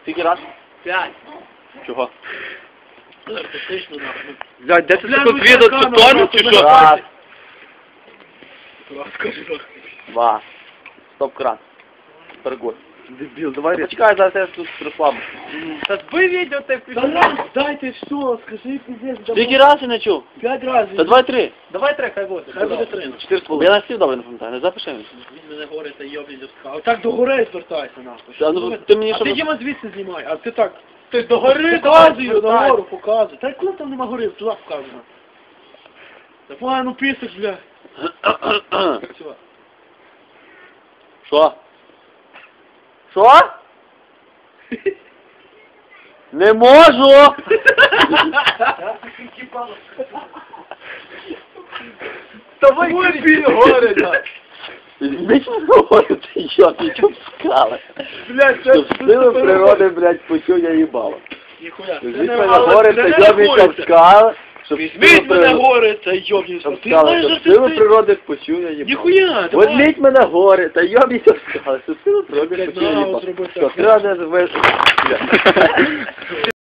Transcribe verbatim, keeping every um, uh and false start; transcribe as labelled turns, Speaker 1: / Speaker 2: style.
Speaker 1: Скільки раз?
Speaker 2: П'ять.
Speaker 1: Чого?
Speaker 2: Артистично, нахуй.
Speaker 1: Блядь, де ти
Speaker 2: Бля,
Speaker 1: таку
Speaker 2: ну,
Speaker 1: відео
Speaker 2: камера,
Speaker 1: ту тоню,
Speaker 2: нахуй,
Speaker 1: чи що?
Speaker 2: нахуй.
Speaker 1: Раз,
Speaker 2: Раз, скажи, нахуй.
Speaker 1: два. Стоп-кран. Торгуй. Дебіл, давай. Почекай, зараз я тут прислабу.
Speaker 2: Та збий відео, ти
Speaker 3: Да раз, дайте все, скажи, пиздец.
Speaker 1: Скільки раз я не чув?
Speaker 3: П'ять разів.
Speaker 1: Та давай три.
Speaker 2: Давай три, хай буде. Хай буде три.
Speaker 1: Чотири з половиною. Я на слів добре не пам'ятаю, не запиши мені.
Speaker 2: Він мене горе та йобніть до
Speaker 3: Так до гори звертайся, нахуй.
Speaker 1: Та, ну, ти мені
Speaker 3: А
Speaker 1: що...
Speaker 3: ти Діма звідси знімай, а ти так. Ти до гори
Speaker 2: Показую,
Speaker 3: показую,
Speaker 2: давай.
Speaker 3: нагору показуй. Та коли там нема гори, туди показуй. Давай, ну писиш, бля. Все.
Speaker 1: Що? Що? Не можу!
Speaker 3: Давай, кричи, горе, да.
Speaker 1: Візьміть мене говорю, ти що, ти чого скали?
Speaker 3: Блядь, це...
Speaker 1: Щоб сили природи, блядь, почув я їбало.
Speaker 2: Ніхуя.
Speaker 1: Візьміть
Speaker 3: не
Speaker 1: мене
Speaker 3: але
Speaker 1: горе,
Speaker 3: це
Speaker 1: та
Speaker 3: не
Speaker 1: йобіться в
Speaker 3: рахується.
Speaker 1: скали. Щоб
Speaker 3: Візьміть
Speaker 1: сили
Speaker 3: мене
Speaker 1: природи-
Speaker 3: горе, та йобнівся.
Speaker 1: Щоб
Speaker 3: Ти
Speaker 1: скали,
Speaker 3: знаєш,
Speaker 1: щоб
Speaker 3: що
Speaker 1: сили
Speaker 3: ти...
Speaker 1: природи почув я їбало.
Speaker 3: Ніхуя, давай.
Speaker 1: Возьміть мене горе, та йобіться в скали, щоб сили природи
Speaker 3: Блядь,
Speaker 1: почув я
Speaker 3: на,
Speaker 1: їбало.
Speaker 3: зроби
Speaker 1: Що,
Speaker 3: так.
Speaker 1: треба не звести.